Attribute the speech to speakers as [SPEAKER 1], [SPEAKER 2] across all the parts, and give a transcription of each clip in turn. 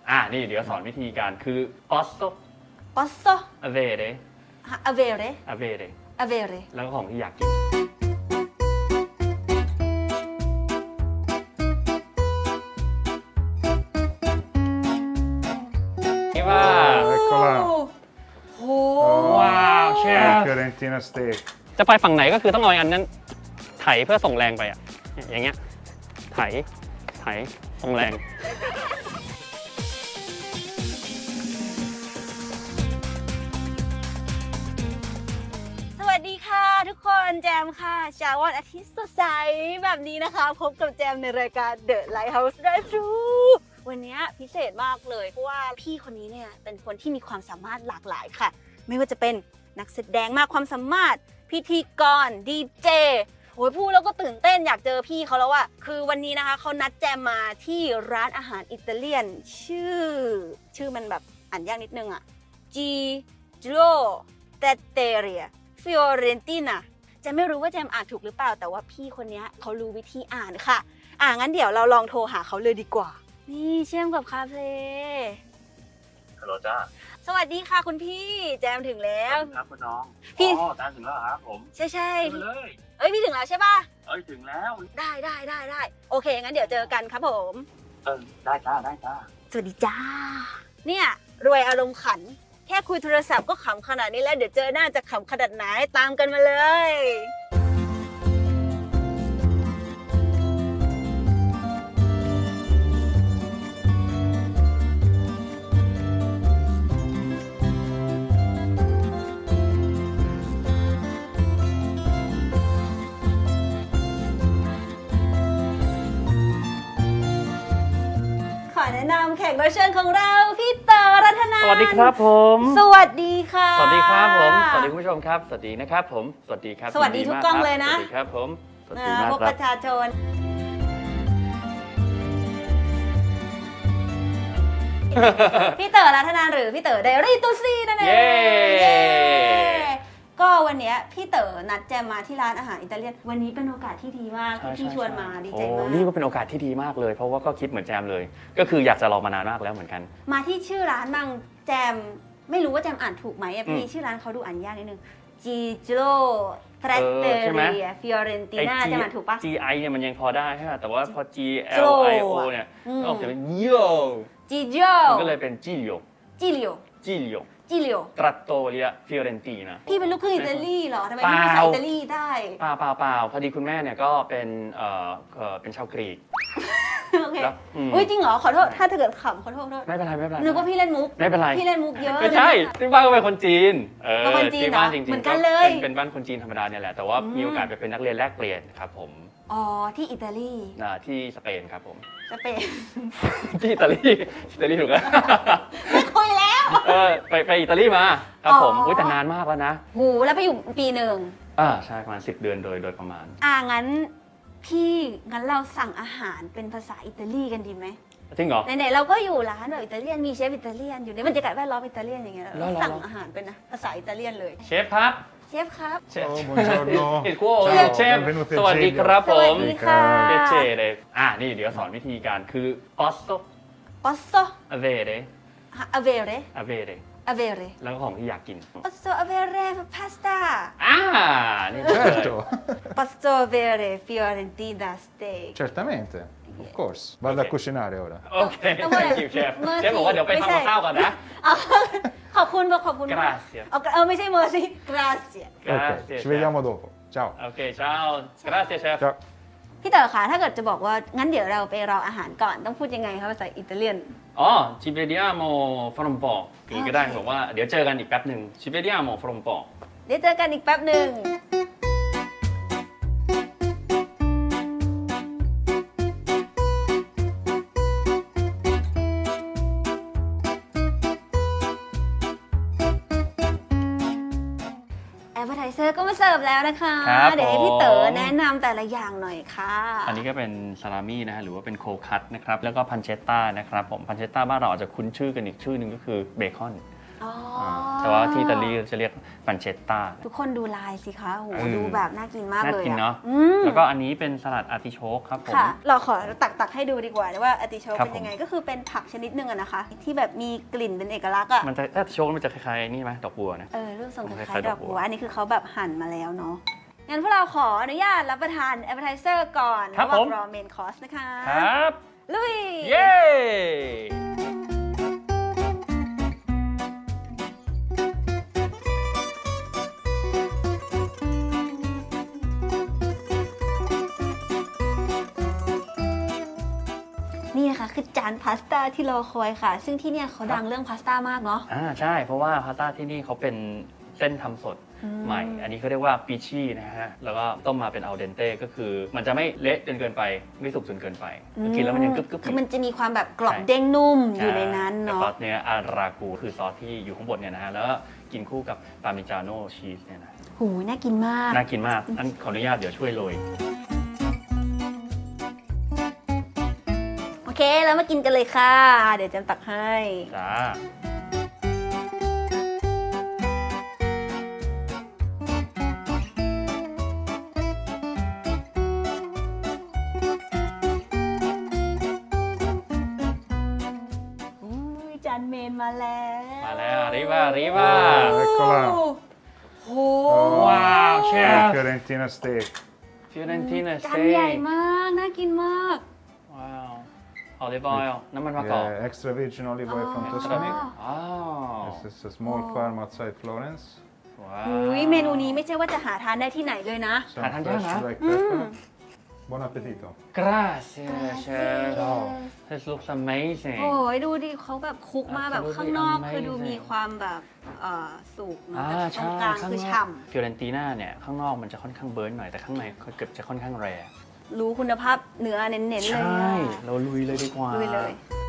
[SPEAKER 1] นี่เดี๋ยวสอนวิธีการคือ posso
[SPEAKER 2] posso
[SPEAKER 1] avere
[SPEAKER 2] avere
[SPEAKER 1] avere
[SPEAKER 2] avere
[SPEAKER 1] แล้วก็ของที่อยากกินนี่ว่า
[SPEAKER 3] Eccola.
[SPEAKER 2] โห
[SPEAKER 1] ว้าวเชฟ
[SPEAKER 3] Fiorentina steak.
[SPEAKER 1] จะไปฝั่งไหนก็คือต้องเอาอันนั้นไถเพื่อส่งแรงไปอ่ะอย่างเงี้ยไถส่งแรง
[SPEAKER 2] สวัสดีค่ะทุกคนแจมค่ะเช้าวันอาทิตย์สดใสแบบนี้นะคะพบกับแจมในรายการ The Lighthouse Drive Thru วันนี้พิเศษมากเลยเพราะว่าพี่คนนี้เนี่ยเป็นคนที่มีความสามารถหลากหลายค่ะไม่ว่าจะเป็นนักแสดงมากความสามารถพิธีกรดีเจโอ้ยพูดแล้วก็ตื่นเต้นอยากเจอพี่เขาแล้วอะคือวันนี้นะคะเขานัดแจมมาที่ร้านอาหารอิตาเลียนชื่อมันแบบอ่านยากนิดนึงอะ Giro Trattoria Fiorentina จะไม่รู้ว่าแจมอ่านถูกหรือเปล่าแต่ว่าพี่คนนี้เขารู้วิธีอ่านค่ะงั้นเดี๋ยวเราลองโทรหาเขาเลยดีกว่านี่เชื่อมกับคาเฟ่
[SPEAKER 4] ฮัลโหลจ้า
[SPEAKER 2] สวัสดีค่ะคุณพี่แจมถึงแล้ว
[SPEAKER 4] ครับคุณน้อง
[SPEAKER 2] พี่
[SPEAKER 4] อ๋อตามถึงแล้วเหรอครับผม
[SPEAKER 2] ใช่
[SPEAKER 4] ขึ้นมาเลย
[SPEAKER 2] เอ้ยพี่ถึงแล้วใช่ป่ะ
[SPEAKER 4] ถึงแล้ว
[SPEAKER 2] ได้โอเคงั้นเดี๋ยวเจอกันครับผม
[SPEAKER 4] ได้จ้าได้จ้า
[SPEAKER 2] สวัสดีจ้าเนี่ยรวยอารมณ์ขันแค่คุยโทรศัพท์ก็ขำขนาดนี้แล้วเดี๋ยวเจอหน้าจะขำขนาดไหนตามกันมาเลยขอแนะนำแขกรับเชิญของเราพี่เต๋อรัตนา
[SPEAKER 1] สวัสดีครับผม
[SPEAKER 2] สวัสดีค่ะ
[SPEAKER 1] สวัสดีครับผมสวัสดีคุณผู้ชมครับสวัสดีนะครับผมสวัสดีครับ
[SPEAKER 2] สวัสดีทุกกล้องเลยนะ
[SPEAKER 1] สวัสดีครับผมสวัสดีมาก
[SPEAKER 2] พบ
[SPEAKER 1] ครั
[SPEAKER 2] ป
[SPEAKER 1] บ
[SPEAKER 2] ระชาชนพี่เต๋อรัตนาหรือพี่เต๋อไดอารี่ตูซี่นั่นเอง
[SPEAKER 1] เย้
[SPEAKER 2] ก็วันเนี้ยพี่เต๋อนัดแจมมาที่ร้านอาหารอิตาเลียนวันนี้เป็นโอกาสที่ดีมากที่พี่ชวนมาดีใจมาก
[SPEAKER 1] โอ้นี่ก็เป็นโอกาสที่ดีมากเลย เพราะว่าก็คิดเหมือนแจมเลย ก็คืออยากจะรอมานานมากแล้วเหมือนกัน
[SPEAKER 2] มาที่ชื่อร้านบ้างแจมไม่รู้ว่าแจมอ่านถูกไหมอะพี่
[SPEAKER 1] อืม
[SPEAKER 2] ชื่อร้านเขาดูอ่านยากนิดนึง Giro
[SPEAKER 1] ใช่ไหม
[SPEAKER 2] Trattoria Fiorentina แจมอ่านถูกปะ
[SPEAKER 1] GI เนี่ยมันยังพอได้ใช่ไหมแต่ว่าพอ
[SPEAKER 2] Giro
[SPEAKER 1] GLIO เนี่ย
[SPEAKER 2] อืม
[SPEAKER 1] ก็ออกจะเป็นโย
[SPEAKER 2] Giro
[SPEAKER 1] มันก็เลยเป็นจิโย
[SPEAKER 2] Giglio
[SPEAKER 1] จิโย
[SPEAKER 2] Giglio
[SPEAKER 1] ตรัตโตเรียฟิโอเรนตีนะ
[SPEAKER 2] พี่เป็นลูกครึ่งอิตาลีเหรอทำไม
[SPEAKER 1] เป
[SPEAKER 2] พี่
[SPEAKER 1] ล่า
[SPEAKER 2] ภาษาอิตาลีได้
[SPEAKER 1] เปล่าพอดีคุณแม่เนี่ยก็เป็นชาวกรีก
[SPEAKER 2] โอเค
[SPEAKER 1] แล้วอืม
[SPEAKER 2] อุ้ยจริงเหรอขอโทษถ้าเกิดขำขอโทษ
[SPEAKER 1] ไม่เป็นไร
[SPEAKER 2] นึกว่าพี่เล่นมุก
[SPEAKER 1] ไม่เป็นไร
[SPEAKER 2] พี่เล่นมุกเยอะ
[SPEAKER 1] ไม่ใช่ที่บ้านก็เป็นคนจีน
[SPEAKER 2] เป็นคนจีน
[SPEAKER 1] ที่บ้าน
[SPEAKER 2] เหรอ
[SPEAKER 1] จริงๆ
[SPEAKER 2] เหมือนกันเลย
[SPEAKER 1] เป็นบ้านคนจีนธรรมดาเนี่ยแหละแต่ว่ามีโอกาสไปเป็นนักเรียนแลกเปลี่ยนครับผม
[SPEAKER 2] อ๋อที่อิตาลี
[SPEAKER 1] ที่สเปนครับผม
[SPEAKER 2] สเปน
[SPEAKER 1] ที่อิตาลีถูกแล้ว
[SPEAKER 2] ไม่คุยแล้ว
[SPEAKER 1] ไปอิตาลีมาครับผม
[SPEAKER 2] อ๋อ
[SPEAKER 1] แต่นานมากแล้วนะ
[SPEAKER 2] หูแล้วไปอยู่ปีหนึ่ง
[SPEAKER 1] ใช่ประมาณ10 เดือนโดยประมาณ
[SPEAKER 2] งั้นงั้นเราสั่งอาหารเป็นภาษาอิตาลีกันดีไหม
[SPEAKER 1] จริงเหรอ
[SPEAKER 2] ไหนๆเราก็อยู่ร้านแบบอิตาเลียนมีเชฟอิตาเลียนอยู่ในบรรยากาศแวดล้อมอิตาเลียนอย่างเงี้ย
[SPEAKER 1] แล้ว
[SPEAKER 2] เราสั่งอาหารเป็นภาษาอิตาเลียนเลย
[SPEAKER 1] เชฟครับ
[SPEAKER 2] เชฟครับ
[SPEAKER 1] เชฟ
[SPEAKER 3] Oh, buongiorno.
[SPEAKER 1] เห็นคู่
[SPEAKER 3] Ciao,
[SPEAKER 1] เชฟ
[SPEAKER 3] benvenuti
[SPEAKER 1] สวัสดี
[SPEAKER 3] al
[SPEAKER 1] ครับ
[SPEAKER 2] ส
[SPEAKER 1] ผ
[SPEAKER 2] วัส
[SPEAKER 1] ม
[SPEAKER 2] ดีค่ะ
[SPEAKER 1] เจเลยนี่เดี๋ยวสอนวิธีการคือ posso
[SPEAKER 2] posso
[SPEAKER 1] avere
[SPEAKER 2] avere
[SPEAKER 1] avere
[SPEAKER 2] avere
[SPEAKER 1] แล้วก็ของที่อยากกิน
[SPEAKER 2] posso avere pasta
[SPEAKER 1] นี่เลย
[SPEAKER 3] Certo,
[SPEAKER 2] posso avere Fiorentina steak
[SPEAKER 3] certamente. Of course. Vado a cucinare ora.
[SPEAKER 1] โอเค thank you เชฟเชฟบอกว่าเดี๋ยวไปทำกับข้าวก่อนนะ
[SPEAKER 2] เอาขอบคุณมาก
[SPEAKER 1] Grazie
[SPEAKER 2] ไม่ใช่ mercy grazie
[SPEAKER 1] Grazie
[SPEAKER 3] Ok, ci
[SPEAKER 1] chef
[SPEAKER 3] vediamo dopo. Ciao.
[SPEAKER 1] โอเคเช้า grazie เชฟ
[SPEAKER 3] Ciao.
[SPEAKER 2] พี่เต๋อคะถ้าเกิดจะบอกว่างั้นเดี๋ยวเราไปรออาหารก่อนต้องพูดยังไงคะภาษาอิตาเลียน
[SPEAKER 1] ci vediamo fra un po' อย่างนี้ก็ได้
[SPEAKER 2] โอเค
[SPEAKER 1] บอกว่าเดี๋ยวเจอกันอีกแป๊บหนึ่ง ci vediamo fra un po'
[SPEAKER 2] เดี๋ยวเจอกันอีกแป๊บหนึ่งแอปเปอร์ไทเซอร์ก็มาเสิร์ฟแล้วนะคะ
[SPEAKER 1] ครับ
[SPEAKER 2] เดี๋ยวให้พี่เต๋อ
[SPEAKER 1] ผม
[SPEAKER 2] แนะนำแต่ละอย่างหน่อยค่ะ
[SPEAKER 1] อันนี้ก็เป็นซาลามี่นะฮะหรือว่าเป็นโคคัตนะครับแล้วก็พันเชตต้านะครับผมพันเชตต้าบ้านเราอาจจะคุ้นชื่อกันอีกชื่อหนึ่งก็คือเบคอน
[SPEAKER 2] อ๋อ
[SPEAKER 1] แต่ว่าที่อิตาลีจะเรียกปันเชตตา
[SPEAKER 2] ทุกคนดูลายสิคะโอ้โห
[SPEAKER 1] เออ
[SPEAKER 2] ดูแบบน่ากินมาก
[SPEAKER 1] น่า
[SPEAKER 2] เลย
[SPEAKER 1] กิน
[SPEAKER 2] อะ
[SPEAKER 1] เนาะ
[SPEAKER 2] อืม
[SPEAKER 1] แล้วก็อันนี้เป็นสลัดอาร์ติโชกครับผม
[SPEAKER 2] ค่ะ เราขอตักให้ดูดีกว่าว่าอาร์ติโชก
[SPEAKER 1] ครับ
[SPEAKER 2] เป็นยังไงก็คือเป็นผักชนิดหนึ่งอะนะคะ ที่แบบมีกลิ่นเป็นเอกลักษณ์อะ
[SPEAKER 1] มันจะอาร์ติโชกมันจะคล้ายๆนี่ไหมดอกบัวนะ
[SPEAKER 2] รูปทรงค
[SPEAKER 1] ค
[SPEAKER 2] ล้า
[SPEAKER 1] ล้าย ย
[SPEAKER 2] ๆ
[SPEAKER 1] ๆ
[SPEAKER 2] ด
[SPEAKER 1] ด
[SPEAKER 2] อ
[SPEAKER 1] อก กบั
[SPEAKER 2] บัว
[SPEAKER 1] ว
[SPEAKER 2] อันนี้คือเขาแบบหั่นมาแล้วเนาะงั้นพวกเราขออนุญาตรับประทาน appetizer ก่อน
[SPEAKER 1] ครับ
[SPEAKER 2] ระหว่าง
[SPEAKER 1] ผม
[SPEAKER 2] รอ main course นะคะ
[SPEAKER 1] ครับ
[SPEAKER 2] ลุย
[SPEAKER 1] เย้
[SPEAKER 2] นี่นะคะคือจานพาสต้าที่รอคอยค่ะ ซึ่งที่เนี่ยเขาดังเรื่องพาสต้ามากเนาะ
[SPEAKER 1] ใช่เพราะว่าพาสต้าที่นี่เขาเป็นเส้นทำสดใหม่ อันนี้เขาเรียกว่าปิชี่นะฮะแล้วก็ต้มมาเป็นอัลเดนเต้ก็คือมันจะไม่เละจนเกินไปไม่สุกจนเกินไปกินแล้วมันยังกรึบๆ
[SPEAKER 2] คือมันจะมีความแบบกรอบ
[SPEAKER 1] ใช่
[SPEAKER 2] เด้งนุ่มอยู่ในนั้น
[SPEAKER 1] แล้ว
[SPEAKER 2] เนาะ
[SPEAKER 1] ซอสเนี้ยอารากูคือซอสที่อยู่ข้างบนเนี่ยนะฮะแล้วก็กินคู่กับปาเมจาโน่ชีสเนี่ยนะ
[SPEAKER 2] หูยน่ากินมาก
[SPEAKER 1] น่ากินมากอันขออนุญาตเดี๋ยวช่วยโรย
[SPEAKER 2] โอเคแล้วมากินกันเลยค่ะ เดี๋ยวจำตักให้
[SPEAKER 1] จ้า
[SPEAKER 2] อุ้ยจานเมนมาแล้ว
[SPEAKER 1] มาแล้วริบ้า
[SPEAKER 3] Eccola.
[SPEAKER 2] โห
[SPEAKER 1] Wow, chef.
[SPEAKER 3] Fiorentina steak.
[SPEAKER 1] ฟิวเรนติน่าส
[SPEAKER 2] จาน
[SPEAKER 1] เต็
[SPEAKER 2] ใหญ่
[SPEAKER 1] ก
[SPEAKER 2] มาก น่ากินมาก
[SPEAKER 1] ว้าวออลิฟออยล์น้ำมันมะกอก
[SPEAKER 3] Yeah, extra virgin olive oil from
[SPEAKER 2] Ah.
[SPEAKER 3] Tuscany.
[SPEAKER 1] อ้าว
[SPEAKER 3] This is a small farm outside Florence.
[SPEAKER 1] ว้าว
[SPEAKER 2] อุ้ยเมนูนี้ไม่ใช่ว่าจะหาทานได้ที่ไหนเลยนะ
[SPEAKER 3] Some
[SPEAKER 1] Tangiana.
[SPEAKER 3] fresh black pepper. Buon appetito.
[SPEAKER 1] Gracias chef This looks amazing
[SPEAKER 2] โอ้ยดูดิเขาแบบคลุกมาแบบข้างนอก
[SPEAKER 1] Absolutely
[SPEAKER 2] คือดู
[SPEAKER 1] amazing
[SPEAKER 2] มีความแบบสุกเนอะ
[SPEAKER 1] อ่า
[SPEAKER 2] แต่ตร
[SPEAKER 1] ใช่
[SPEAKER 2] งกลาง
[SPEAKER 1] ข้าง
[SPEAKER 2] คือน
[SPEAKER 1] อก
[SPEAKER 2] ฉ่
[SPEAKER 1] ฟิวเรนติน่าเนี่ยข้างนอกมันจะค่อนข้างเบิร์นหน่อยแต่ข้างในเกือบจะค่อนข้างแรร์
[SPEAKER 2] ำรู้คุณภาพเนื้อเน้นๆเลย
[SPEAKER 1] ใช่
[SPEAKER 2] อะ
[SPEAKER 1] เราลุยเลยดีกว่า
[SPEAKER 2] ลุยเลย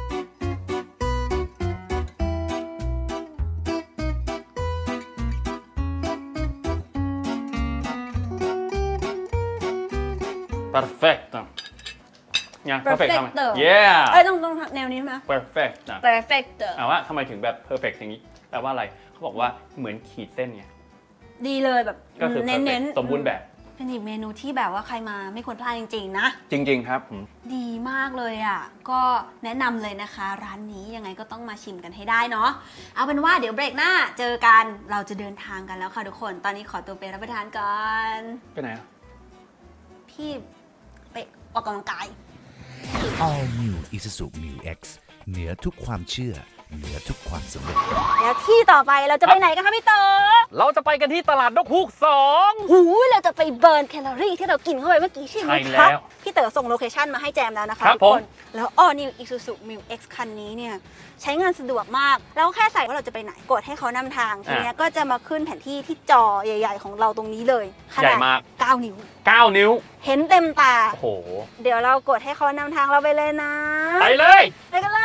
[SPEAKER 1] perfect เนี่ย perfect ทำไม
[SPEAKER 2] Perfecto
[SPEAKER 1] yeah
[SPEAKER 2] เอ้ยต้องแนวนี้ไหม
[SPEAKER 1] perfect นะ
[SPEAKER 2] perfect
[SPEAKER 1] ว่าทำไมถึงแบบ perfect อย่างนี้แปลว่าอะไรเขาบอกว่าเหมือนขีดเส้นไง
[SPEAKER 2] ดีเลยแบบ
[SPEAKER 1] ก็คือ
[SPEAKER 2] เน้น
[SPEAKER 1] perfect สมบูรณ์แบบ
[SPEAKER 2] เป็นอีกเมนูที่แบบว่าใครมาไม่ควรพลาดจริงๆนะ
[SPEAKER 1] จริง ๆ ครับผม
[SPEAKER 2] ดีมากเลยอ่ะ ก็แนะนำเลยนะคะ ร้านนี้ยังไงก็ต้องมาชิมกันให้ได้เนาะ เอาเป็นว่าเดี๋ยวเบรกหน้าเจอกัน เราจะเดินทางกันแล้วค่ะทุกคน ตอนนี้ขอตัวไปรับประทานก่อน
[SPEAKER 1] ไปไหนอะ
[SPEAKER 2] พี่ไปออกกำลังกาย
[SPEAKER 5] All New Isuzu Mu X เหนือทุกความเชื่อ เหนือทุกความสำเร็จ
[SPEAKER 2] แล้วที่ต่อไปเราจะไปไหนกันคะพี่เต๋อ
[SPEAKER 1] เราจะไปกันที่ตลาดนกฮูก
[SPEAKER 2] หูยเราจะไปเบิร์นแคลอรี่ที่เรากินเข้าไปเมื่อกี้ใช่ไหม
[SPEAKER 1] ใช่
[SPEAKER 2] ค
[SPEAKER 1] แล้
[SPEAKER 2] รับ
[SPEAKER 1] ว
[SPEAKER 2] พี่เต๋อส่งโลเคชั่นมาให้แจมแล้วนะคะ
[SPEAKER 1] ครับ
[SPEAKER 2] ทุกคน
[SPEAKER 1] ผม
[SPEAKER 2] แล้ว All New Isuzu Mu X คันนี้เนี่ยใช้งานสะดวกมาก แล้วแค่ใส่ว่าเราจะไปไหนกดให้เขานำทางทีเนี้ยก็จะมาขึ้นแผนที่ที่จอใหญ่ ๆ ของเราตรงนี้เลยข
[SPEAKER 1] ใหญ่
[SPEAKER 2] นาด
[SPEAKER 1] มาก
[SPEAKER 2] 9 นิ้ว
[SPEAKER 1] 9 นิ้ว
[SPEAKER 2] เห็นเต็มตา
[SPEAKER 1] โอ้โห
[SPEAKER 2] เดี๋ยวเรากดให้เขานำทางเราไปเลยนะ
[SPEAKER 1] ไปเลย
[SPEAKER 2] ไปกันเลย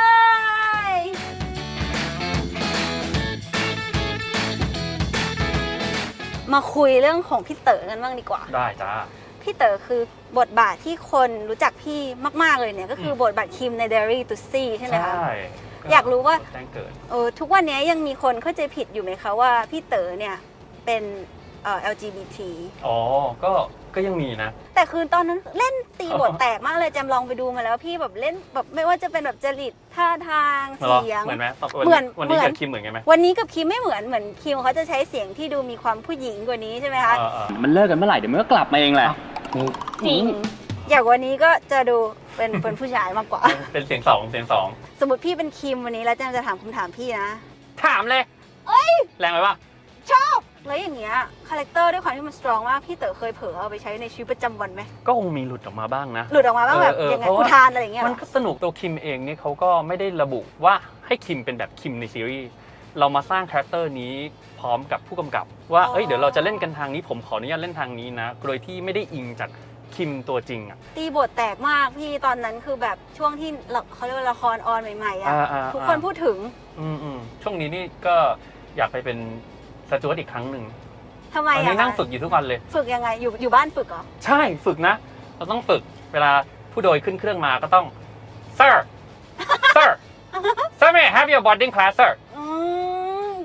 [SPEAKER 2] มาคุยเรื่องของพี่เต๋อกันบ้างดีกว่า
[SPEAKER 1] ได้จ้า
[SPEAKER 2] พี่เต๋อคือบทบาทที่คนรู้จักพี่มาก ๆ เลยเนี่ยก็คือบทบาทคิมใน Dairy to See ใช่ไหมคะ อยากรู้ว่า
[SPEAKER 1] แจ้งเกิด
[SPEAKER 2] ทุกวันนี้ยังมีคนเข้าใจผิดอยู่ไหมคะว่าพี่เต๋อเนี่ยเป็นLGBT
[SPEAKER 1] อ๋อ ก็ยังมีนะ
[SPEAKER 2] แต่คือตอนนั้นเล่นตีบทแตกมากเลยแจมลองไปดูมาแล้วพี่แบบเล่นแบบไม่ว่าจะเป็นแบบจริตท่าทางเสียง
[SPEAKER 1] เหมือนไหม
[SPEAKER 2] เหมือน
[SPEAKER 1] วันนี้
[SPEAKER 2] เหมือน
[SPEAKER 1] กับคิมเหมือนกันไหม
[SPEAKER 2] วันนี้กับคิมไม่เหมือนคิมเขาจะใช้เสียงที่ดูมีความผู้หญิงกว่านี้ใช่ไหมคะ
[SPEAKER 1] มันเลิกกันเมื่อไหร่เดี๋ยวมันก็กลับมาเองแหละ
[SPEAKER 2] จริง อย่างวันนี้ก็จะดูเป็นผู้ชายมากกว่า
[SPEAKER 1] เป็นเสียงสอง
[SPEAKER 2] สมมติพี่เป็นคิมวันนี้แล้วแจมจะถามคำถามพี่นะ
[SPEAKER 1] ถามเลยแรงไหมวะ
[SPEAKER 2] ชอบ แล้วอย่างเงี้ยคาแรคเตอร์ด้วยความที่มันสตรองมากพี่เต๋อเคยเผลอเอาไปใช้ในชีวิตประจำวันไหม
[SPEAKER 1] ก็คงมีหลุดออกมาบ้างนะ
[SPEAKER 2] หลุดออกมาบ้างแบบ
[SPEAKER 1] เออ
[SPEAKER 2] ยังไง
[SPEAKER 1] เพราะว่า
[SPEAKER 2] อุทานอะไรอย่างเงี้ยเหร
[SPEAKER 1] มัน
[SPEAKER 2] อ
[SPEAKER 1] ก็สนุกตัวคิมเองนี่เขาก็ไม่ได้ระบุว่าให้คิมเป็นแบบคิมในซีรีส์เรามาสร้างคาแรคเตอร์นี้พร้อมกับผู้กำกับ ว่าเอ้ยเดี๋ยวเราจะเล่นกันทางนี้ผมขออนุญาตเล่นทางนี้นะโดยที่ไม่ได้อิงจากคิมตัวจริงอ่ะ
[SPEAKER 2] ตีบทแตกมากพี่ตอนนั้นคือแบบช่วงที่เขาเรียกว่าละครออนใหม่ๆอ่ะทุกคนพูดถึง
[SPEAKER 1] ช่วงนี้นี่ก็อยากไปเป็นสจ๊วตอีกครั้งหนึ่ง
[SPEAKER 2] ทำไม
[SPEAKER 1] ตอน
[SPEAKER 2] อ่ะ
[SPEAKER 1] นี้นั่งฝึกอยู่ทุกวันเลย
[SPEAKER 2] ฝึกยังไงอยู่บ้านฝึกเหรอ
[SPEAKER 1] ใช่ฝึกนะ เราต้องฝึกเวลาผู้โดยขึ้นเครื่องมาก็ต้อง sir sir sir may I have your boarding pass sir
[SPEAKER 2] อืม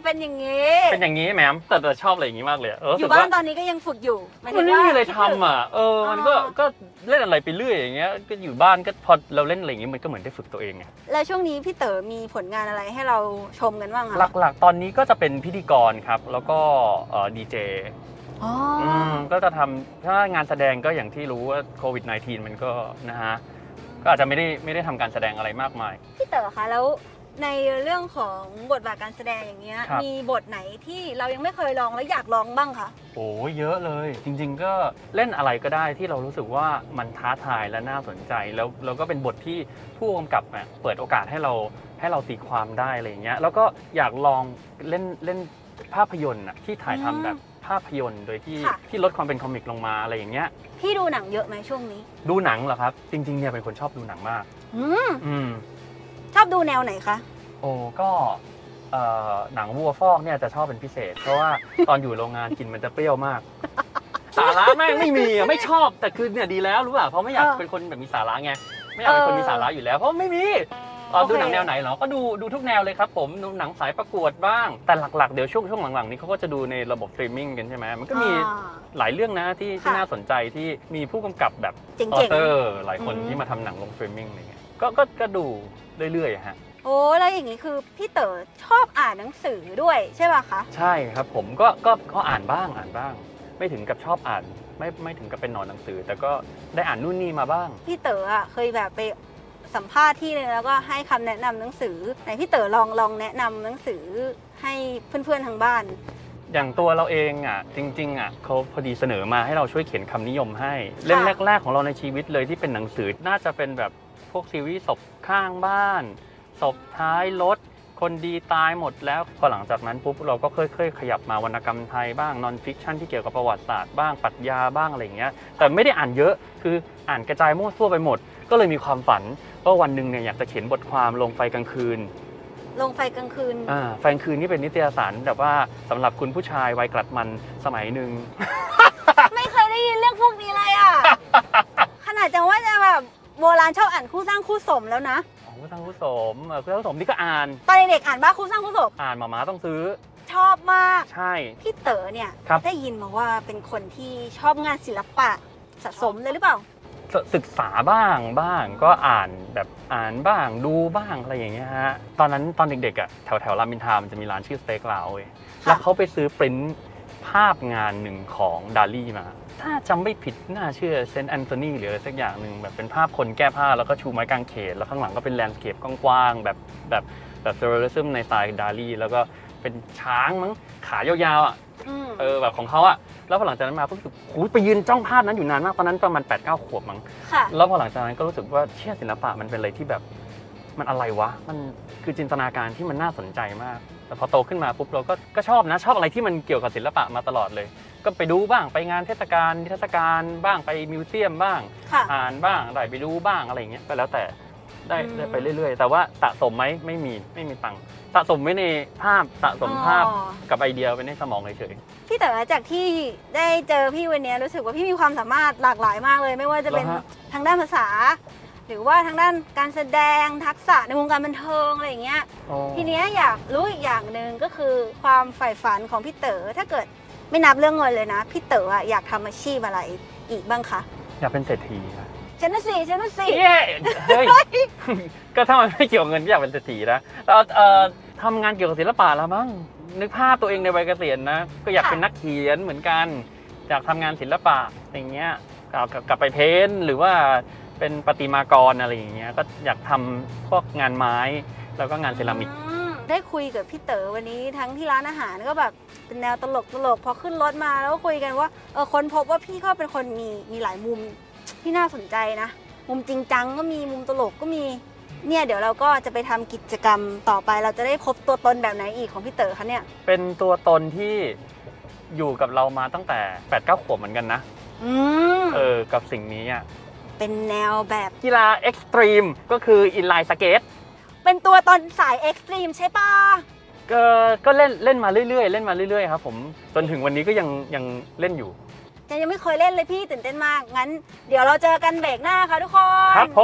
[SPEAKER 2] เป็นอย่างนี้
[SPEAKER 1] เป็นอย่างนี้แหมแต่ชอบอะไรอย่างนี้มากเลยอะ
[SPEAKER 2] อ
[SPEAKER 1] รู้สึ
[SPEAKER 2] ยู่
[SPEAKER 1] ก
[SPEAKER 2] บ้าน
[SPEAKER 1] ว่า
[SPEAKER 2] ตอนนี้ก็ยังฝึกอยู่หายถึ
[SPEAKER 1] มัน
[SPEAKER 2] ง
[SPEAKER 1] ไม่
[SPEAKER 2] ว่า
[SPEAKER 1] มีอะไรทำอ่ะมันก็เล่นอะไรไปเรื่อยอย่างเงี้ยก็อยู่บ้านก็พอเราเล่นอะไรอย่างงี้มันก็เหมือนได้ฝึกตัวเองไง
[SPEAKER 2] แล้วช่วงนี้พี่เต๋อมีผลงานอะไรให้เราชมกันบ้างคะ
[SPEAKER 1] หลักๆ ตอนนี้ก็จะเป็นพิธีกรครับ แล้วก็ดีเจ
[SPEAKER 2] อ๋อ
[SPEAKER 1] ก็จะทำถ้างานแสดงก็อย่างที่รู้ว่าโควิด -19 มันก็นะฮะก็อาจจะไม่ได้ทำการแสดงอะไรมากมาย
[SPEAKER 2] พี่เต๋อคะแล้วในเรื่องของบทบาทการแสดงอย่างเงี้ย
[SPEAKER 1] ครับ
[SPEAKER 2] มีบทไหนที่เรายังไม่เคยลองแล้วอยากลองบ้างคะ
[SPEAKER 1] โอ้เยอะเลย จริง ๆ ก็เล่นอะไรก็ได้ที่เรารู้สึกว่ามันท้าทายและน่าสนใจแล้วก็เป็นบทที่ผู้กำกับเนี่ยเปิดโอกาสให้เราตีความได้อะไรอย่างเงี้ยแล้วก็อยากลองเล่นภาพยนตร์น่ะที่ถ่ายทำแบบภาพยนตร์โดยที่ลดความเป็นคอมิกลงมาอะไรอย่างเงี้ย
[SPEAKER 2] พี่ดูหนังเยอะไหมช่วงนี้
[SPEAKER 1] ดูหนังเหรอครับ จริงๆเนี่ยเป็นคนชอบดูหนังมาก อืม
[SPEAKER 2] ชอบดูแนวไหนคะ
[SPEAKER 1] โอ้ก็หนังวัวฟอกเนี่ยจะชอบเป็นพิเศษ เพราะว่าตอนอยู่โรงงานกินมันจะเปรี้ยวมาก สาระแม่งไม่มีอะไม่ชอบแต่คือเนี่ยดีแล้วรู้ป่ะเพราะไม่อยากเป็นคนแบบมีสาระไงไม่อยากเป็นคนมีสาระอยู่แล้วเพราะไม่มีดูหนังแนวไหนเหรอก็ดูทุกแนวเลยครับผมดูหนังสายประกวดบ้างแต่หลักๆเดี๋ยวช่วงหลังๆนี้เขาก็จะดูในระบบสตรีมมิ่งกันใช่ไหมมันก็มีหลายเรื่องนะที่น่าสนใจที่มีผู้กำกับแบบ
[SPEAKER 2] เจ๋ง
[SPEAKER 1] อ
[SPEAKER 2] ๆ
[SPEAKER 1] อเตอร์หลายคนที่มาทำหนังลงสตรีมมิ่งอะไรเงี้ยก็ดูเรื่อยๆอะฮะ
[SPEAKER 2] โอ้แล้วอย่างนี้คือพี่เต๋อชอบอ่านหนังสือด้วยใช่ป่ะคะ
[SPEAKER 1] ใช่ครับผมก็อ่านบ้าง ไม่ถึงกับชอบอ่านไม่ถึงกับเป็นหนอนหนังสือ แต่ก็ได้อ่านนู่นนี่มาบ้าง
[SPEAKER 2] พี่เต๋ออ่ะเคยแบบไปสัมภาษณ์ที่นึงแล้วก็ให้คำแนะนำหนังสือไหนพี่เต๋อลองแนะนำหนังสือให้เพื่อนๆทางบ้าน
[SPEAKER 1] อย่างตัวเราเองอ่ะจริงๆอ่ะเขาพอดีเสนอมาให้เราช่วยเขียนคำนิยมให้เล่มแรกๆของเราในชีวิตเลยที่เป็นหนังสือน่าจะเป็นแบบพวกซีรีส์ศพข้างบ้านศพท้ายรถคนดีตายหมดแล้วพอหลังจากนั้นปุ๊บเราก็ค่อยๆขยับมาวรรณกรรมไทยบ้างนอนฟิกชันที่เกี่ยวกับประวัติศาสตร์บ้างปรัชญาบ้างอะไรอย่างเงี้ยแต่ไม่ได้อ่านเยอะคืออ่านกระจายมั่วซั่วไปหมด ก็เลยมีความฝันว่าวันหนึ่งเนี่ยอยากจะเขียนบทความลงไฟกลางคืน
[SPEAKER 2] ลงไฟกลางคืน
[SPEAKER 1] ไฟกลางคืนนี่เป็นนิตยสารแบบว่าสำหรับคุณผู้ชายวัยกลัดมันสมัยหนึ่ง
[SPEAKER 2] ไม่เคยได้ยินเรื่องพวกนี้เลยอ่ะ ขนาดจังว่าจะแบบโบราณชอบอ่านคู่สร้างคู่สมแล้วนะ
[SPEAKER 1] ผู้สร้างผู้สมผู้สร้างผู้สมนี่ก็อ่าน
[SPEAKER 2] ตอนเด็กๆอ่านบ้าคู่สร้างคู่สม
[SPEAKER 1] หมาต้องซื้อ
[SPEAKER 2] ชอบมาก
[SPEAKER 1] ใช่
[SPEAKER 2] พี่เต๋อเนี่ย
[SPEAKER 1] ครับ
[SPEAKER 2] ได้ยินมาว่าเป็นคนที่ชอบงานศิลปะสะสมเลยหรือเปล่า
[SPEAKER 1] ศึกษาบ้างก็อ่านแบบอ่านบ้างดูบ้างอะไรอย่างเงี้ยฮะตอนเด็กๆอ่ะแถวรามอินทรามันจะมีร้านชื่อสเต็กลาวเว้ยแล้วเขาไปซื้อปริ้นภาพงานหนึ่งของดาลี่มา ถ้าจำไม่ผิดน่าเชื่อเซนต์แอนโทนีหรืออะไรสักอย่างหนึ่งแบบเป็นภาพคนแก้ผ้าแล้วก็ชูไม้กางเขนแล้วข้างหลังก็เป็นแลนด์สเคปกว้างๆแบบเซอร์เรซึมในสไตล์ดาลี่แล้วก็เป็นช้างมั้งขายาวๆอ่ะ แบบของเขาอะแล้วพอหลังจากนั้นมาก็รู้สึกหูยไปยืนจ้องภาพนั้นอยู่นานมากตอนนั้นประมาณ 8-9 ขวบมั้ง
[SPEAKER 2] ค่ะ
[SPEAKER 1] แล้วพอหลังจากนั้นก็รู้สึกว่าเชื่อศิลปะมันเป็นอะไรที่แบบมันอะไรวะมันคือจินตนาการที่มันน่าสนใจมากแต่พอโตขึ้นมาปุ๊บเราก็ชอบนะชอบอะไรที่มันเกี่ยวกับศิลปะมาตลอดเลย ก็ไปดูบ้างไปงานเทศกาลนิทรรศการบ้างไปมิวเซียมบ้าง
[SPEAKER 2] ค่ะ
[SPEAKER 1] อ่านบ้างได้ไปดูบ้างอะไรอย่างเงี้ยก็แล้วแต่ได้ไปเรื่อยๆ แต่ว่าสะสมไหมไม่มีตังค์สะสมไว้ในภาพสะสมภาพ
[SPEAKER 2] อ๋อ
[SPEAKER 1] กับไอเดียไว้ในสมองเฉย
[SPEAKER 2] พี่เต๋อจากที่ได้เจอพี่วันนี้รู้สึกว่าพี่มีความสามารถหลากหลายมากเลย ไม่ว่าจะเป็น
[SPEAKER 1] เหรอฮะ
[SPEAKER 2] ทางด้านภาษา หรือว่าทางด้านการแสดงทักษะในวงการบันเทิงอะไรอย่างเงี้ย
[SPEAKER 1] ๆอ๋อ
[SPEAKER 2] ทีเนี้ยอยากรู้อีกอย่างหนึ่งก็คือความใฝ่ฝันของพี่เต๋อถ้าเกิดไม่นับเรื่องเงินเลยนะพี่เต๋ออยากทำอาชีพอะไรอีกบ้างคะ
[SPEAKER 1] อยากเป็นเศรษฐีนะ
[SPEAKER 2] ฉันน่ะสิฉันน่ะสิ
[SPEAKER 1] เย้เฮ้ย ก็ถ้ามันไม่เกี่ยวกับเงินก็อยากเป็นเศรษฐีนะแล้วทำงานเกี่ยวกับศิลปะแล้วมั้งนึกภาพตัวเองในวัยเกษียณนะก็อยากเป็นนักเขียนเหมือนกันอยากทำงานศิลปะอย่างเงี้ยกลับไปเพ้นท์หรือว่าเป็นประติมากรอะไรอย่างเงี้ยก็อยากทำพวกงานไม้แล้วก็งานเซรามิก
[SPEAKER 2] ได้คุยกับพี่เต๋อวันนี้ทั้งที่ร้านอาหารก็แบบเป็นแนวตลกพอขึ้นรถมาแล้วก็คุยกันว่าคนพบว่าพี่ก็เป็นคนมีหลายมุมที่น่าสนใจนะ มุมจริงจังก็มีมุมตลกก็มีเนี่ยเดี๋ยวเราก็จะไปทำกิจกรรมต่อไปเราจะได้พบตัวตนแบบไหนอีกของพี่เต๋อคะเนี่ย
[SPEAKER 1] เป็นตัวตนที่อยู่กับเรามาตั้งแต่ 8-9 ขวบเหมือนกันนะ กับสิ่งนี้อ่ะ
[SPEAKER 2] เป็นแนวแบบ
[SPEAKER 1] กีฬาเอ็กซ์ตรีมก็คืออินไลน์สเกต
[SPEAKER 2] เป็นตัวตนสายเอ็กซ์ตรีมใช่ปะ
[SPEAKER 1] ก็เล่นมาเรื่อยๆครับผมจนถึงวันนี้ก็ยังเล่นอยู่
[SPEAKER 2] ยังไม่เคยเล่นเลยพี่ตื่นเต้นมากงั้นเดี๋ยวเราเจอกันเบรกหน้าค่ะทุกคน
[SPEAKER 1] ครับผม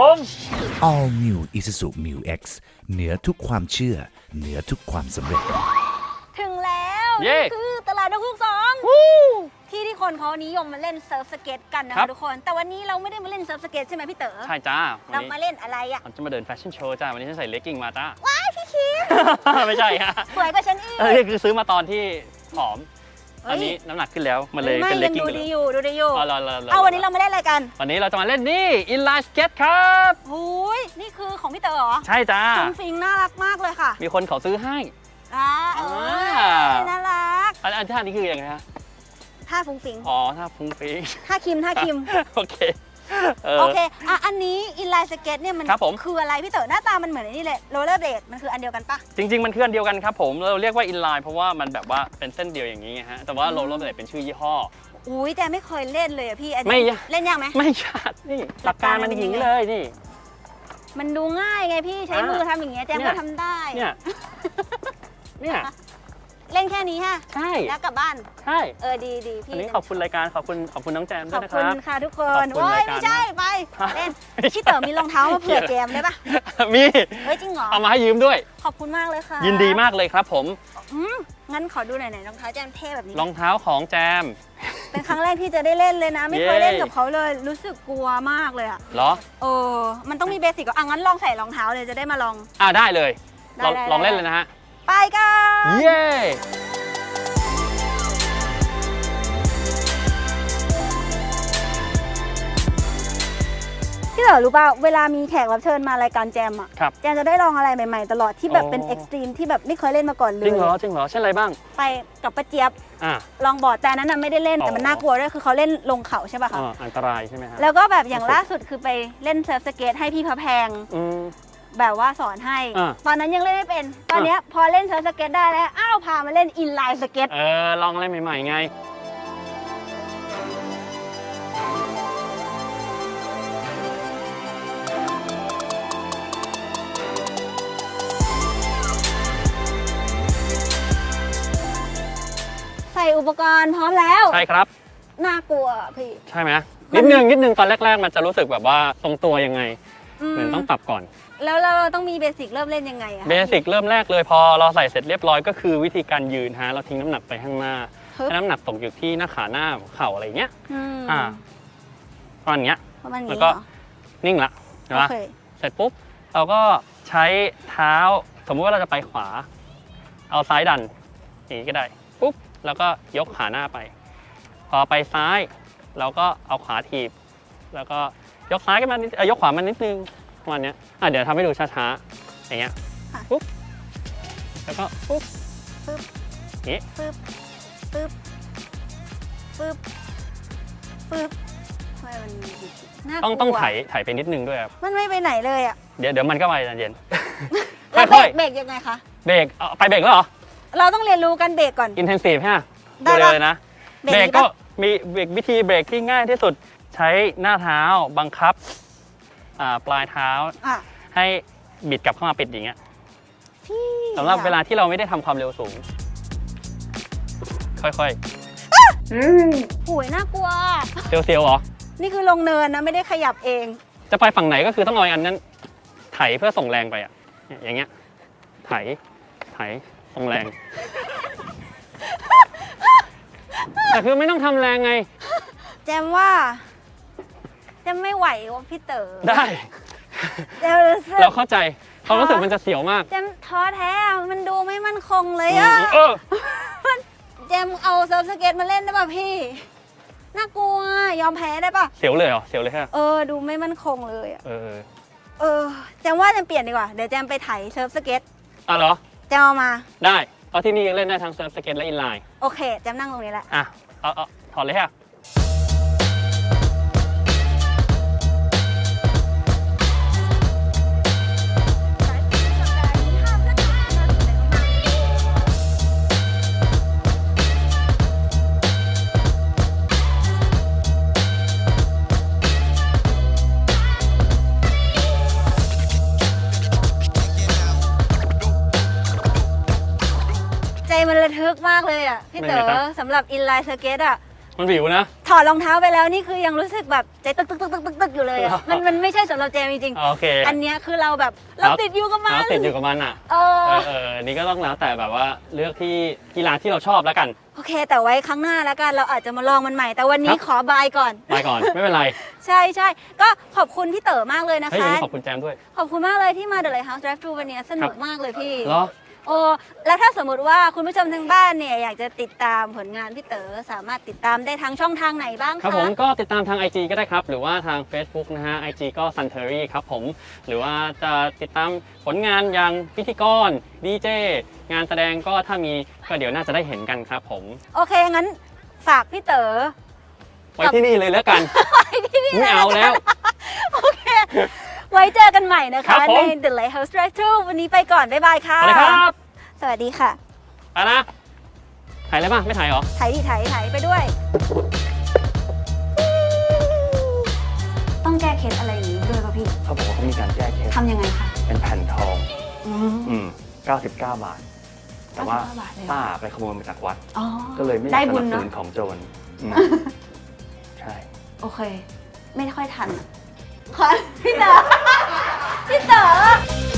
[SPEAKER 5] All New Isuzu Mu X เหนือทุกความเชื่อ เหนือทุกความสำเร็จ
[SPEAKER 2] ถึง
[SPEAKER 1] เย้
[SPEAKER 2] นี่คือตลาดนกฮูก2ที่คนเขานิยมมาเล่นเซิร์ฟสเก็ตกันนะ
[SPEAKER 1] ครั
[SPEAKER 2] คะ
[SPEAKER 1] บ
[SPEAKER 2] ทุกคนแต่วันนี้เราไม่ได้มาเล่นเซิร์ฟสเก็ตใช่ไหมพี่เต๋อ
[SPEAKER 1] ใช่จ้าวัน
[SPEAKER 2] เรา
[SPEAKER 1] นี้
[SPEAKER 2] มาเล่นอะไรอ่ะ
[SPEAKER 1] เราจะมาเดินแฟชั่นโชว์จ้าวันนี้ฉันใส่เลกกิ้งมาจ้า
[SPEAKER 2] ว้ายพี่คิม
[SPEAKER 1] ไม่ใช่ฮะ
[SPEAKER 2] สวยกว่าฉันอีก
[SPEAKER 1] นี่คือซื้อมาตอนที่ผอม
[SPEAKER 2] เฮ้ย
[SPEAKER 1] ตอนนี้น้ำหนักขึ้นแล้วมันเลย
[SPEAKER 2] ไม่
[SPEAKER 1] เป็นเล
[SPEAKER 2] ยั
[SPEAKER 1] ก
[SPEAKER 2] ง
[SPEAKER 1] กิ้ง
[SPEAKER 2] ดู
[SPEAKER 1] ไปเล
[SPEAKER 2] ดี
[SPEAKER 1] ย
[SPEAKER 2] อยู่ดูดีอยู่
[SPEAKER 1] เอา
[SPEAKER 2] วันนี้เรามาเล่นอะไรกัน
[SPEAKER 1] วันนี้เราจะมาเล่นนี่อินไลน์สเก็ตครับ
[SPEAKER 2] หูยนี่คือของพี่เต๋อเหรอ
[SPEAKER 1] ใช่จ้า
[SPEAKER 2] ฟุ้งฟิงน่ารักมากเลยค่ะ
[SPEAKER 1] มีคนเขาซื้อให้
[SPEAKER 2] เอ
[SPEAKER 1] อ่า
[SPEAKER 2] น่ารัก
[SPEAKER 1] อันท่านี้คือยังไงฮะ
[SPEAKER 2] ท่าฟุ้งฟิง
[SPEAKER 1] อ๋อท่าฟุ้งฟิ้ง
[SPEAKER 2] ท่าคิมท่าคิม
[SPEAKER 1] โอเค
[SPEAKER 2] โอเคอ่ะอันนี้อินไลน์สเก็ตเนี่ยมัน
[SPEAKER 1] ครับผม
[SPEAKER 2] คืออะไรพี่เต๋อหน้าตามันเหมือนไอ้นี่เลยโรลเลอร์เบลดมันคืออันเดียวกันปะ
[SPEAKER 1] จริง ๆ มันคืออันเดียวกันครับผมเราเรียกว่าอินไลน์เพราะว่ามันแบบว่าเป็นเส้นเดียวอย่างนี้ไงฮะแต่ว่าโรลเลอร์เบลดเป็นชื่อยี่ห้อ
[SPEAKER 2] อุ้ยแต่ไม่เคยเล่นเลยอะพี่อัน
[SPEAKER 1] ไม่
[SPEAKER 2] นี้
[SPEAKER 1] ยาก
[SPEAKER 2] เล่นยากไหม
[SPEAKER 1] ไม่ชาดนี่หลักการมันอย่างนี้เลยนี่
[SPEAKER 2] มันดูง่ายไงพี่ใช้มือทำอย่างเงี้ยแจม
[SPEAKER 1] เนี่
[SPEAKER 2] ก็
[SPEAKER 1] ย
[SPEAKER 2] ทำได้
[SPEAKER 1] เนี่ยเนี่ย
[SPEAKER 2] เล่นแค่นี้ฮะ
[SPEAKER 1] ใช่
[SPEAKER 2] แล้วกลับบ้าน
[SPEAKER 1] ใช่
[SPEAKER 2] ดีดีพี่
[SPEAKER 1] อันนี้ขอบคุณรายการขอบคุณน้องแจม
[SPEAKER 2] ข
[SPEAKER 1] ด้ว
[SPEAKER 2] อย บ
[SPEAKER 1] นะค
[SPEAKER 2] คุณ
[SPEAKER 1] รับ
[SPEAKER 2] ค่ะทุกค
[SPEAKER 1] ขอน บคุณ
[SPEAKER 2] โอ้ย
[SPEAKER 1] รายการ
[SPEAKER 2] ไม่ใช่ไป
[SPEAKER 1] ฮะ
[SPEAKER 2] เล่นพี่เต๋อมีรองเท้ามาเผื่อแจมได้ปะ
[SPEAKER 1] มี
[SPEAKER 2] เฮ้ยจริงเหรอ
[SPEAKER 1] เอามาให้ยืมด้วย
[SPEAKER 2] ขอบคุณมากเลยค่ะ
[SPEAKER 1] ยินดีมากเลยครับผม
[SPEAKER 2] งั้นขอดูหน่อยรองเท้าแจมเท่แบบนี้
[SPEAKER 1] รองเท้าของแจม
[SPEAKER 2] เป็นครั้งแรกที่จะได้เล่นเลยนะ ไม่เคย
[SPEAKER 1] เย้
[SPEAKER 2] เล่นกับเขาเลย รู้สึกกลัวมากเลยอะ
[SPEAKER 1] เหรอ
[SPEAKER 2] มันต้องมีเบสิกก่อนงั้นลองใส่รองเท้าเลยจะได้มาลอง
[SPEAKER 1] ได้เลย
[SPEAKER 2] ได้ได้
[SPEAKER 1] ลองเล่นเลยนะฮะ
[SPEAKER 2] ไปกัน
[SPEAKER 1] เย้
[SPEAKER 2] พี่เต๋อรู้ป่ะเวลามีแขกรับเชิญมารายการแจมอะ
[SPEAKER 1] ครับ
[SPEAKER 2] แจมจะได้ลองอะไรใหม่ๆ ตลอดที่แบบเป็น
[SPEAKER 1] อ๋อ
[SPEAKER 2] เอ็กซ์ตรีมที่แบบไม่เคยเล่นมาก่อนเล
[SPEAKER 1] จริ
[SPEAKER 2] ย
[SPEAKER 1] งเหรอเช่นอะไรบ้าง
[SPEAKER 2] ไปกับป้าเจี๊ยบ
[SPEAKER 1] อ่า
[SPEAKER 2] ลองบอร์ดแต่อันนั้นน่ะไม่ได้เล่นแต่มัน
[SPEAKER 1] อ๋อ
[SPEAKER 2] น่ากลัวด้วยคือเขาเล่นลงเขาใช่ป่ะคะ
[SPEAKER 1] อันตรายใช่ไหมฮะ
[SPEAKER 2] แล้วก็แบบอย่างล่าสุดคือไปเล่นเซิร์ฟสเก็ตให้พี่พระแพง
[SPEAKER 1] อืม
[SPEAKER 2] แบบว่าสอนให้
[SPEAKER 1] อ่า
[SPEAKER 2] ตอนนั้นยังเล่นไม่เป็น ตอนเนี้ยพอเล่นเซิร์ฟสเก็ตได้แล้ว อ้าวพามาเล่นอินไลน์สเก็ต
[SPEAKER 1] ลองอะไรใหม่ๆไง
[SPEAKER 2] ใส่อุปกรณ์พร้อมแล้ว
[SPEAKER 1] ใช่ครับ
[SPEAKER 2] น่ากลัวพี่
[SPEAKER 1] ใช่ไหมนิดนึงตอนแรก ๆ มันจะรู้สึกแบบว่าทรงตัวยังไงเหมือนต้องปรับก่อน
[SPEAKER 2] แล้วเราต้องมีเบสิกเริ่มเล่นยังไงอะคะ
[SPEAKER 1] เบสิกเริ่มแรกเลยพอเราใส่เสร็จเรียบร้อยก็คือวิธีการยืนฮะเราทิ้งน้ำหนักไปข้างหน้า
[SPEAKER 2] ฮึบ
[SPEAKER 1] ให้น้ำหนักตกอยู่ที่หน้าขาหน้าเข่าอะไรเงี้ย
[SPEAKER 2] อืม
[SPEAKER 1] ประมาณเนี้ย
[SPEAKER 2] ประมาณ
[SPEAKER 1] แล้
[SPEAKER 2] นี้
[SPEAKER 1] ว
[SPEAKER 2] เหร
[SPEAKER 1] ก็
[SPEAKER 2] อ
[SPEAKER 1] นิ่งละใช่
[SPEAKER 2] โอ
[SPEAKER 1] ปะ
[SPEAKER 2] เค
[SPEAKER 1] เสร็จปุ๊บเราก็ใช้เท้าสมมุติว่าเราจะไปขวา เอาซ้ายดันอย่างนี้ก็ได้ปุ๊บแล้วก็ยกขาหน้าไป พอไปซ้ายเราก็เอาขวาถีบ แล้วก็ยกซ้ายกันมานิดยกขวามานิดนึงประมาณเนี้ยเดี๋ยวทำให้ดูช้าๆอย่างเงี้ยปุ๊บแล้วก็ปุ๊บ
[SPEAKER 2] ปึ๊บ
[SPEAKER 1] นี่
[SPEAKER 2] ปึ๊บปึ๊บปึ๊บปึ๊บทำไมมันน่ากลัว
[SPEAKER 1] ต้องไถไปนิดนึงด้วยครับ
[SPEAKER 2] มันไม่ไปไหนเลยอะ
[SPEAKER 1] เดี๋ยวมันก็ไปใจเย็น
[SPEAKER 2] แล้ว
[SPEAKER 1] ค่อย
[SPEAKER 2] เบรกยังไงคะ
[SPEAKER 1] ๆเบรกไปเบรกแล้วเหรอ
[SPEAKER 2] เราต้องเรียนรู้กันเบรกก่อน
[SPEAKER 1] อินเทนซีฟฮะ
[SPEAKER 2] ได้
[SPEAKER 1] ดู
[SPEAKER 2] ปะ
[SPEAKER 1] เลยนะ
[SPEAKER 2] เบรก
[SPEAKER 1] เบรก
[SPEAKER 2] นี้
[SPEAKER 1] ก็
[SPEAKER 2] ปะ
[SPEAKER 1] มีวิธีเบรกที่ง่ายที่สุดใช้หน้าเท้าบังคับปลายเท้า
[SPEAKER 2] อ่ะ
[SPEAKER 1] ให้บิดกลับเข้ามาปิดอย่างเงี้ย
[SPEAKER 2] พี่
[SPEAKER 1] สำหรับเวลาที่เราไม่ได้ทำความเร็วสูง ค่อย
[SPEAKER 2] โอ้ยน่ากลัว
[SPEAKER 1] ๆเซียวๆเหรอ
[SPEAKER 2] นี่คือลงเนินนะไม่ได้ขยับเอง
[SPEAKER 1] จะไปฝั่งไหนก็คือต้องเอาอันนั้นไถเพื่อส่งแรงไปอ่ะอย่างเงี้ยไถส่งแรง แต่คือไม่ต้องทำแรงไง
[SPEAKER 2] แจมว่าแจมไม่ไหวว่ะพี่เต๋อ
[SPEAKER 1] ได้
[SPEAKER 2] แจมรู้สึก
[SPEAKER 1] เราเข้าใจความรู้สึกมันจะเสียวมาก
[SPEAKER 2] แจมท้อแท้อะมันดูไม่มั่นคงเลย
[SPEAKER 1] อื
[SPEAKER 2] อะ
[SPEAKER 1] มเออ
[SPEAKER 2] แจมเอาเซิร์ฟสเก็ตมาเล่นได้ป่ะพี่ น่ากลัวยอมแพ้ได้ป่ะ
[SPEAKER 1] เสียวเลยเหรอเสียวเลยฮะ
[SPEAKER 2] ดูไม่มั่นคงเลยอะ
[SPEAKER 1] เออ
[SPEAKER 2] แจมว่าแจมเปลี่ยนดีกว่า เดี๋ยวแจมไปไถเซิร์ฟสเก็ต
[SPEAKER 1] เหรอ
[SPEAKER 2] แจมเอามา
[SPEAKER 1] ได้เพราะที่นี่ยังเล่นได้ทั้งเซิร์ฟสเก็ตและอินไลน์
[SPEAKER 2] โอเคแจมนั่งตรงนี้แหละ
[SPEAKER 1] เอาถอดเลยฮะ
[SPEAKER 2] ใจมันระทึกมากเลยอ่ะพี่เต๋อสำหรับอินไลน์สเก็ตอ่ะ
[SPEAKER 1] มันวิวนะ
[SPEAKER 2] ถอดรองเท้าไปแล้วนี่คือยังรู้สึกแบบใจตึกตึกตึกตึกตึกตึกอยู่เลยอะ มันไม่ใช่สำหรับแจมจริง
[SPEAKER 1] โอเค
[SPEAKER 2] ๆอันเนี้ยคือเราแบบเราติดอยู่กับมัน
[SPEAKER 1] ติดอยู่กับมันอ่ะ
[SPEAKER 2] เออ
[SPEAKER 1] นี่ก็ต้องแล้วแต่แบบว่าเลือกที่กีฬาที่เราชอบแล้วกัน
[SPEAKER 2] โอเค แต่ไว้ครั้งหน้าแล้วกันเราอาจจะมาลองมันใหม่ แต่วันนี้
[SPEAKER 1] ครับ
[SPEAKER 2] ขอบายก่อน
[SPEAKER 1] ไปก่อน ไม่เป็นไร
[SPEAKER 2] ใช่ใช่ก็ขอบคุณพี่เต๋อมากเลยนะ
[SPEAKER 1] เฮ้ย
[SPEAKER 2] คะ
[SPEAKER 1] วันนี้ขอบคุณแจมด้วย
[SPEAKER 2] ขอบคุณมากเลยที่มา The Lighthouse Drive Thru วันนี้สนุกมากเลยพี่
[SPEAKER 1] เหรอ
[SPEAKER 2] โอ้แล้วถ้าสมมติว่าคุณผู้ชมทางบ้านเนี่ยอยากจะติดตามผลงานพี่เต๋อสามารถติดตามได้ทางช่องทางไหนบ้างคะ
[SPEAKER 1] ครับผมก็ติดตามทาง IG ก็ได้ครับ หรือว่าทาง Facebook นะฮะ IG ก็ Suntery ครับผม หรือว่าจะติดตามผลงานอย่างพิธีกรดีเจงานแสดงก็ถ้ามีก็เดี๋ยวน่าจะได้เห็นกันครับผม
[SPEAKER 2] โอเค งั้นฝากพี่เต๋อ
[SPEAKER 1] ไว้ที่นี่เลยแล้วกัน ไม่เอาแล้ว
[SPEAKER 2] โอเค ไว้เจอกันใหม่นะ
[SPEAKER 1] ครั
[SPEAKER 2] คะ
[SPEAKER 1] บผม
[SPEAKER 2] ใน The Lighthouse Drive Thru วันนี้ไปก่อน บ๊ายบายค่ะ
[SPEAKER 1] ไปเลยครับ
[SPEAKER 2] สวัสดีค่ะ
[SPEAKER 1] ไปนะ ถ่ายอะไรบ้างไม่ถ่ายเหรอ
[SPEAKER 2] ถ่ายดิถ่ายไปด้วย ต้องแก้เคล็ดอะไรอย่างนี้ด้วยป่ะพี่
[SPEAKER 1] เขาบอกว่าเขามีการแก้เคล็ด
[SPEAKER 2] ทำยังไงคะ
[SPEAKER 1] เป็นแผ่นทอง
[SPEAKER 2] อืม
[SPEAKER 1] 99 บาท แต่ว่า
[SPEAKER 2] 99 บาทเลยเหรอ
[SPEAKER 1] ป้าไปขโมยมาจากวัด
[SPEAKER 2] อ๋อ
[SPEAKER 1] ก็เลยไม่อยา
[SPEAKER 2] ได้
[SPEAKER 1] กส
[SPEAKER 2] บุ
[SPEAKER 1] นั
[SPEAKER 2] ญ
[SPEAKER 1] บส
[SPEAKER 2] เนาะ
[SPEAKER 1] นุนของโจรใช่
[SPEAKER 2] โอเค ไม่ค่อยทันอะขอพี่เต๋อพี่เต๋อ